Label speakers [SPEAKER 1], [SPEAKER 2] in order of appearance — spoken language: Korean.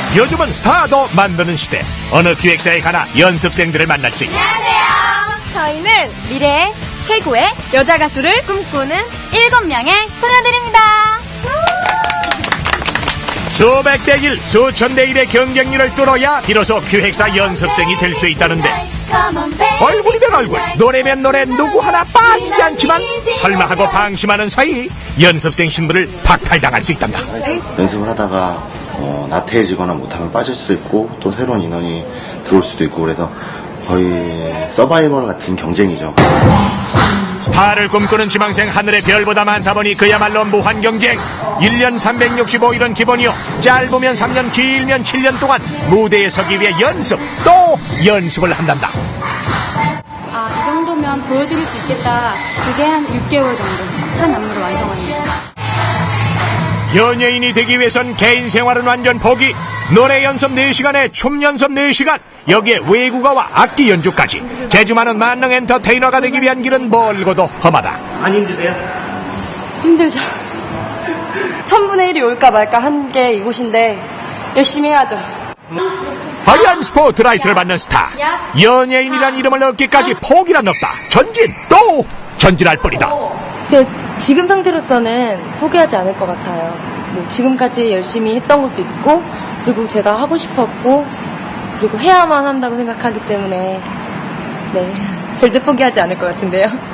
[SPEAKER 1] 요즘은 스타도 만드는 시대. 어느 기획사에 가나 연습생들을 만날 수 있다.
[SPEAKER 2] 안녕하세요. 저희는 미래의 최고의 여자 가수를 꿈꾸는 7명의 소녀들입니다.
[SPEAKER 1] 수백 대 1, 수천 대 1의 경쟁률을 뚫어야 비로소 기획사 연습생이 될 수 있다는데, 얼굴이면 얼굴, 노래면 노래 누구 하나 빠지지 않지만 설마 하고 방심하는 사이 연습생 신분을 박탈당할 수 있단다.
[SPEAKER 3] 연습을 하다가 나태해지거나 못하면 빠질 수도 있고 또 새로운 인원이 들어올 수도 있고 그래서 거의 서바이벌 같은 경쟁이죠.
[SPEAKER 1] 스타를 꿈꾸는 지망생 하늘의 별보다 많다 보니 그야말로 무한 경쟁. 1년 365일은 기본이요, 짧으면 3년, 길면 7년 동안 무대에 서기 위해 연습 또 연습을 한단다.
[SPEAKER 4] 이 정도면 보여드릴 수 있겠다. 그게 한 6개월 정도 한 안무를 완성합니다.
[SPEAKER 1] 연예인이 되기 위해선 개인 생활은 완전 포기. 노래 연습 4시간에 춤 연습 4시간, 여기에 외국어와 악기 연주까지. 재주 많은 만능 엔터테이너가 되기 위한 길은 멀고도 험하다.
[SPEAKER 5] 안 힘드세요?
[SPEAKER 6] 힘들죠. 1000분의 1이 올까 말까 한 게 이곳인데 열심히 해야죠.
[SPEAKER 1] 화려한 스포트라이트를 받는 스타. 연예인이란 이름을 얻기까지 포기란 없다. 전진 또 전진할 뿐이다.
[SPEAKER 6] 지금 상태로서는 포기하지 않을 것 같아요. 뭐 지금까지 열심히 했던 것도 있고, 그리고 제가 하고 싶었고, 그리고 해야만 한다고 생각하기 때문에 절대 포기하지 않을 것 같은데요.